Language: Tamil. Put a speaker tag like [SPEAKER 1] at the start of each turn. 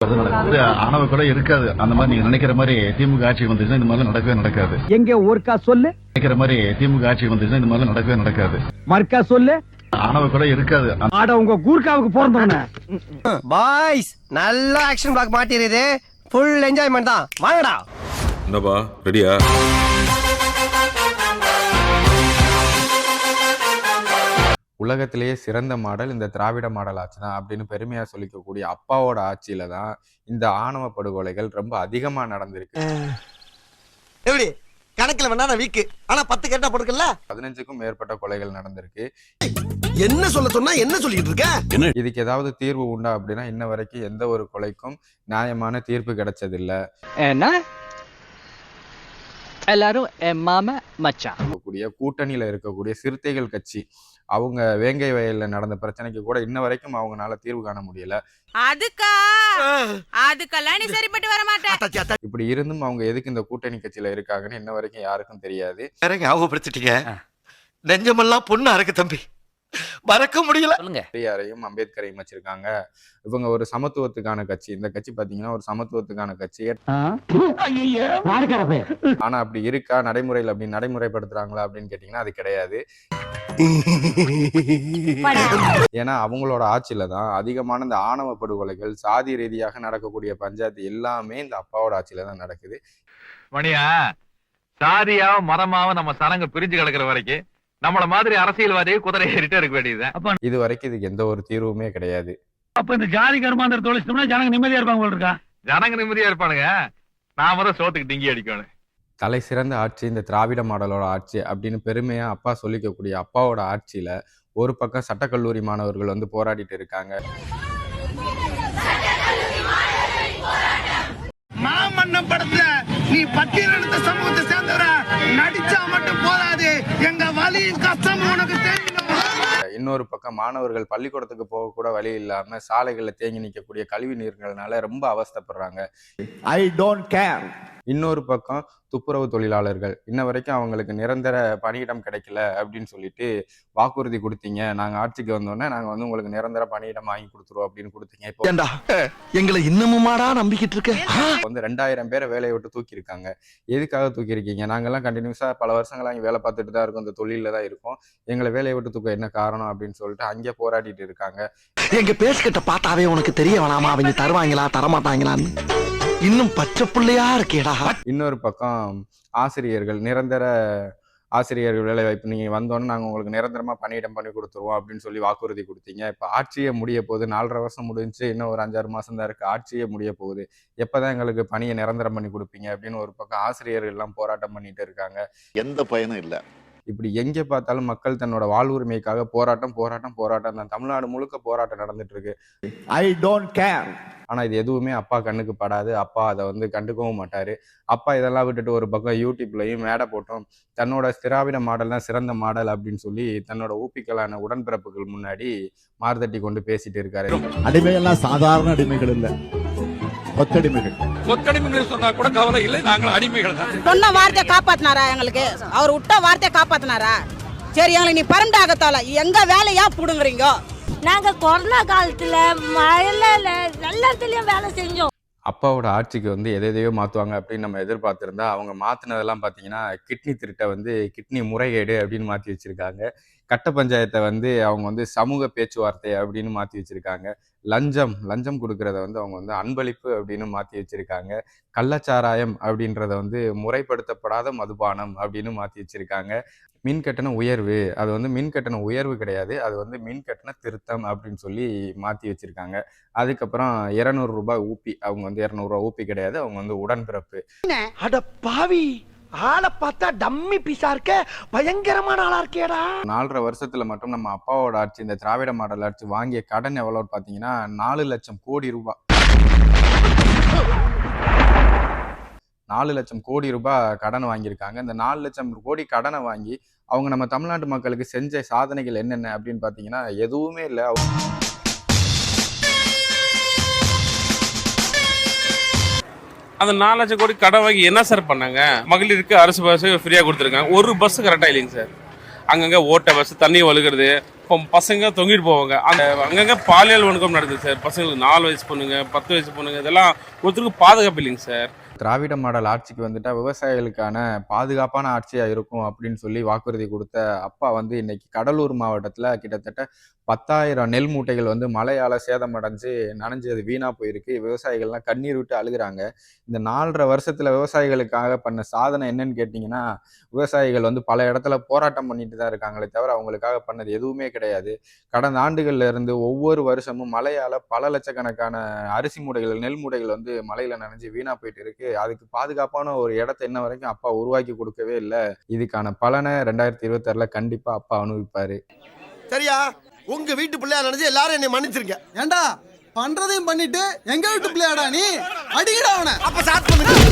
[SPEAKER 1] ஆணவ கூட இருக்காது. அந்த மாதிரி நீங்க நினைக்கிற மாதிரி திமுக ஆட்சி வந்துச்சுன்னா இந்த மாதிரி நடக்கவே நடக்காது.
[SPEAKER 2] எங்க ஒருக்கா சொல்லு.
[SPEAKER 1] நினைக்கிற மாதிரி திமுக ஆட்சி வந்துச்சுன்னா இந்த மாதிரி நடக்கவே நடக்காது.
[SPEAKER 2] மர்க்கா சொல்லு.
[SPEAKER 1] ஆணவ கூட இருக்காது.
[SPEAKER 2] ஆட உங்க கூர்க்காவுக்கு பிறந்தவன.
[SPEAKER 3] பாய்ஸ் நல்ல ஆக்ஷன் பிளாக் மாட்டிருது. ஃபுல் என்ஜாய்மெண்ட் தான். வாங்கடா.
[SPEAKER 4] என்னப்பா ரெடியா?
[SPEAKER 5] உலகத்திலேயே சிறந்த மாடல் இந்த திராவிட மாடல் ஆட்சி தான் அப்படின்னு பெருமையா சொல்லிக்கக்கூடிய அப்பாவோட ஆட்சியில தான் இந்த ஆணவ படுகொலைகள் ரொம்ப அதிகமா நடந்திருக்கு.
[SPEAKER 3] எப்படி கணக்குல வேணா நான் வீக்கு, ஆனா 10 கேட்டா போடுக்கல.
[SPEAKER 5] 15க்கும் மேற்பட்ட கொலைகள் நடந்திருக்கு.
[SPEAKER 3] என்ன சொல்ல சொன்னா என்ன சொல்லிட்டு இருக்க?
[SPEAKER 5] இதுக்கு ஏதாவது தீர்வு உண்டா அப்படின்னா இன்ன வரைக்கும் எந்த ஒரு கொலைக்கும் நியாயமான தீர்ப்பு கிடைச்சதில்ல.
[SPEAKER 6] எல்லாரும் என் மாமா மச்சான்.
[SPEAKER 5] கூட்டணியில இருக்கக்கூடிய சிறுத்தைகள் கட்சி அவங்க வேங்கை வயல்ல நடந்த பிரச்சனைக்கு கூட இன்ன வரைக்கும் அவங்களால தீர்வு காண முடியல.
[SPEAKER 7] அதுக்கெல்லாம் நீ சரிப்பட்டு வர மாட்டே.
[SPEAKER 5] இப்படி இருந்தும் அவங்க எதுக்கு இந்த கூட்டணி கட்சியில இருக்காங்கன்னு இன்ன வரைக்கும் யாருக்கும் தெரியாது.
[SPEAKER 3] ஞாபகப்படுத்திட்டீங்க. நெஞ்சமெல்லாம் பொண்ணு அறக்கு தம்பி, மறக்க முடியல.
[SPEAKER 5] பெரியாரையும் அம்பேத்கரையும் வச்சிருக்காங்க. இவங்க ஒரு சமத்துவத்துக்கான கட்சி. இந்த கட்சி பாத்தீங்கன்னா ஒரு சமத்துவத்துக்கான கட்சி. ஆனா அப்படி இருக்கா நடைமுறையில் அப்படி நடைமுறைப்படுத்துறாங்களா அப்படின்னு கேட்டீங்கன்னா அது கிடையாது. ஏன்னா அவங்களோட ஆட்சியில தான் அதிகமான இந்த ஆணவ படுகொலைகள், சாதி ரீதியாக நடக்கக்கூடிய பஞ்சாயத்து எல்லாமே இந்த அப்பாவோட ஆட்சியில தான் நடக்குது.
[SPEAKER 8] மணியா சாதியாவும் மரமாவும் நம்ம சனங்க பிரிஞ்சு கிடக்குற வரைக்கும் நம்மள மாதிரி அரசியல்வாதியை குதிரை ஏறிட்டே இருக்க வேண்டியதுதான்.
[SPEAKER 5] இது வரைக்கும் இதுக்கு எந்த ஒரு தீர்வுமே கிடையாது.
[SPEAKER 2] அப்ப இந்த ஜாதி கருமாந்திர தொழிச்சோம்னா ஜனங்க நிம்மதியா இருப்பாங்க போல இருக்கா?
[SPEAKER 8] ஜனங்க நிம்மதியா இருப்பானுங்க, நாம தான் சோத்துக்கு டிங்கி அடிக்கணும்.
[SPEAKER 5] தலை சிறந்த ஆட்சி இந்த திராவிட மாடலோட ஆட்சி அப்படின்னு பெருமையா அப்பா சொல்லிக்கக்கூடிய அப்பாவோட ஆட்சியில ஒரு பக்கம் சட்டக்கல்லூரி மாணவர்கள் வந்து போராடிட்டு இருக்காங்க.
[SPEAKER 2] மாமன்னம் படத்துல நீ பட்டியலினத்த சமூகத்தை சேர்ந்தவரா நடிச்சா மட்டும் போதாது, எங்க வலி கஷ்டம் உனக்கு தெரியும்.
[SPEAKER 5] இன்னொரு பக்கம் மாணவர்கள் பள்ளிக்கூடத்துக்கு போக கூட வழி இல்லாம சாலைகள்ல தேங்கி நிற்கக்கூடிய கழிவு நீர்கள்னால ரொம்ப அவஸ்தைப்படுறாங்க.
[SPEAKER 2] ஐ டோன்ட் கேர்.
[SPEAKER 5] இன்னொரு பக்கம் துப்புரவு தொழிலாளர்கள் இன்ன வரைக்கும் அவங்களுக்கு நிரந்தர பணியிடம் கிடைக்கல அப்படின்னு சொல்லிட்டு வாக்குறுதி கொடுத்தீங்க, நாங்க ஆட்சிக்கு வந்தோடனே நாங்க வந்து உங்களுக்கு நிரந்தர பணியிடம் வாங்கி கொடுத்துருவோம் அப்படின்னு கொடுத்தீங்க. இப்போ
[SPEAKER 3] எங்களை இன்னமுமாடா நம்பிக்கிட்டு இருக்க?
[SPEAKER 5] வந்து 2000 பேரை வேலையை விட்டு தூக்கி இருக்காங்க. எதுக்காக தூக்கி இருக்கீங்க? நாங்கெல்லாம் கண்டினியூஸா பல வருஷங்களா இங்க வேலை பார்த்துட்டு தான் இருக்கோம், இந்த தொழில தான் இருக்கோம், எங்களை வேலையை விட்டு தூக்க என்ன காரணம் அப்படின்னு சொல்லிட்டு அங்கே போராடிட்டு இருக்காங்க.
[SPEAKER 3] எங்க பேசுகிட்ட பார்த்தாவே உனக்கு தெரிய வேணாமா அவங்க தருவாங்களா தரமாட்டாங்களான்னு? இன்னும் பச்சை பிள்ளையா இருக்கேடா.
[SPEAKER 5] இன்னொரு பக்கம் ஆசிரியர்கள் நிரந்தர ஆசிரியர்கள் வேலை வாய்ப்பு நீங்க வந்தோன்னு நாங்க உங்களுக்கு நிரந்தரமா பணியிடம் பண்ணி கொடுத்துருவோம் அப்படின்னு சொல்லி வாக்குறுதி கொடுத்தீங்க. இப்ப ஆட்சியே முடிய போகுது. 4.5 வருஷம் முடிஞ்சு இன்னும் ஒரு 5-6 மாசம் தான் இருக்கு. ஆட்சியே முடிய போகுது. எப்பதான் எங்களுக்கு பணியை நிரந்தரம் பண்ணி கொடுப்பீங்க அப்படின்னு ஒரு பக்கம் ஆசிரியர்கள் எல்லாம் போராட்டம் பண்ணிட்டு இருக்காங்க.
[SPEAKER 1] எந்த பயனும் இல்ல.
[SPEAKER 5] இப்படி எங்கே பார்த்தாலும் மக்கள் தன்னோட வாழ்வுரிமைக்காக போராட்டம் போராட்டம் போராட்டம் தான். தமிழ்நாடு முழுக்க போராட்டம் நடந்துட்டு இருக்கு.
[SPEAKER 2] I don't care.
[SPEAKER 5] ஆனா இது எதுவுமே அப்பா கண்ணுக்கு படாது. அப்பா அதை வந்து கண்டுக்கவும் மாட்டாரு. அப்பா இதெல்லாம் விட்டுட்டு ஒரு பக்கம் யூடியூப்லயும் மேடை போட்டோம் தன்னோட திராவிட மாடல் தான் சிறந்த மாடல் அப்படின்னு சொல்லி தன்னோட ஊப்பிக்கலான உடன்பிறப்புகள் முன்னாடி மார்தட்டி கொண்டு பேசிட்டு இருக்காரு.
[SPEAKER 1] அடிமைகள்லாம் சாதாரண அடிமைகள் இல்ல, கொத்தடிமைகள்
[SPEAKER 4] சொன்னா கூட கவலை இல்லை, நாங்கள் அடிமைகள் தான்.
[SPEAKER 7] சொன்ன வார்த்தையை காப்பாத்தினாரா? எங்களுக்கு அவர் விட்ட வார்த்தையை காப்பாத்தினாரா? சரி, எங்களுக்கு நீ பரண்டு ஆகத்தால எங்க வேலையா புடுங்குறீங்க?
[SPEAKER 9] நாங்க கொரோனா காலத்துல மழையில எல்லாத்துலயும் வேலை செஞ்சோம்.
[SPEAKER 5] அப்பாவோட ஆட்சிக்கு வந்து எதையோ மாற்றுவாங்க அப்படின்னு நம்ம எதிர்பார்த்துருந்தா அவங்க மாற்றினதெல்லாம் பார்த்தீங்கன்னா கிட்னி திருட்டை வந்து கிட்னி முறைகேடு அப்படின்னு மாற்றி வச்சுருக்காங்க. கட்ட பஞ்சாயத்தை வந்து அவங்க வந்து சமூக பேச்சுவார்த்தை அப்படின்னு மாற்றி வச்சுருக்காங்க. லஞ்சம் கொடுக்கறத வந்து அவங்க வந்து அன்பளிப்பு அப்படின்னு மாற்றி வச்சுருக்காங்க. கள்ளச்சாராயம் அப்படின்றத வந்து முறைப்படுத்தப்படாத மதுபானம் அப்படின்னு மாற்றி வச்சுருக்காங்க. மின் கட்டண உயர்வு, அது வந்து மின் கட்டண உயர்வு கிடையாது, அது வந்து மின் கட்டண திருத்தம் அப்படின்னு சொல்லி மாற்றி வச்சுருக்காங்க. அதுக்கப்புறம் 200 ரூபாய் ஊப்பி, அவங்க வந்து 200 ரூபாய் ஊப்பி கிடையாது, அவங்க வந்து உடன்பிறப்பு.
[SPEAKER 3] அட பாவி, ஆளை பார்த்தா டம்மி பீஸா இருக்க, பயங்கரமான ஆளா இருக்கேடா.
[SPEAKER 5] 4.5 வருஷத்துல மட்டும் நம்ம அப்பாவோட ஆட்சி இந்த திராவிட மாடல் ஆட்சி வாங்கிய கடன் எவ்வளவு பார்த்தீங்கன்னா 4 லட்சம் கோடி ரூபாய். 4 லட்சம் கோடி ரூபாய் கடன் வாங்கியிருக்காங்க. இந்த 4 லட்சம் கோடி கடனை வாங்கி அவங்க நம்ம தமிழ்நாட்டு மக்களுக்கு செஞ்ச சாதனைகள் என்னென்ன அப்படின்னு பார்த்தீங்கன்னா எதுவுமே இல்லை.
[SPEAKER 4] அந்த 4 லட்சம் கோடி கடன் வாங்கி என்ன சார் பண்ணாங்க? மகளிருக்கு அரசு பஸ் ஃப்ரீயாக கொடுத்துருக்காங்க. ஒரு பஸ் கரெக்டாக இல்லைங்க சார். அங்கங்கே ஓட்ட பஸ், தண்ணி ஒழுகிறது, பசங்க தொங்கிட்டு போவாங்க. அந்த அங்கங்கே பாலியல் வணக்கம் நடக்குது சார். பசங்களுக்கு 4 வயசு பொண்ணுங்க, 10 வயசு பொண்ணுங்க, இதெல்லாம் ஒருத்தருக்கு பாதுகாப்பு இல்லைங்க சார்.
[SPEAKER 5] திராவிட மாடல் ஆட்சிக்கு வந்துட்டா விவசாயிகளுக்கான பாதுகாப்பான ஆட்சியா இருக்கும் அப்படின்னு சொல்லி வாக்குறுதி கொடுத்த அப்பா வந்து இன்னைக்கு கடலூர் மாவட்டத்துல கிட்டத்தட்ட 10,000 நெல் மூட்டைகள் வந்து மழையால சேதமடைஞ்சு நனைஞ்சது வீணா போயிருக்கு. விவசாயிகள்லாம் கண்ணீர் விட்டு அழுகுறாங்க. இந்த 4.5 வருஷத்துல விவசாயிகளுக்காக பண்ண சாதனை என்னன்னு கேட்டீங்கன்னா, விவசாயிகள் வந்து பல இடத்துல போராட்டம் பண்ணிட்டு தான் இருக்காங்களே தவிர அவங்களுக்காக பண்ணது எதுவுமே கிடையாது. கடந்த ஆண்டுகள்ல இருந்து ஒவ்வொரு வருஷமும் மழையால பல லட்சக்கணக்கான அரிசி மூடைகள், நெல் மூடைகள் வந்து மழையில நனைஞ்சு வீணா போயிட்டு இருக்கு. அதுக்கு பாதுகாப்பான ஒரு இடத்தை இன்ன வரைக்கும் அப்பா உருவாக்கி கொடுக்கவே இல்லை. இதுக்கான பலனை 2026ல கண்டிப்பா அப்பா அனுபவிப்பாரு.
[SPEAKER 3] சரியா? உங்க வீட்டு பிள்ளையா நினைச்சு எல்லாரும் என்னை மன்னிச்சிருங்க.
[SPEAKER 2] ஏண்டா பண்றதையும் பண்ணிட்டு எங்க வீட்டு பிள்ளையாடா நீ? அடிக்கடா அவனை.
[SPEAKER 3] அப்ப ஸ்டார்ட் பண்ணுங்க.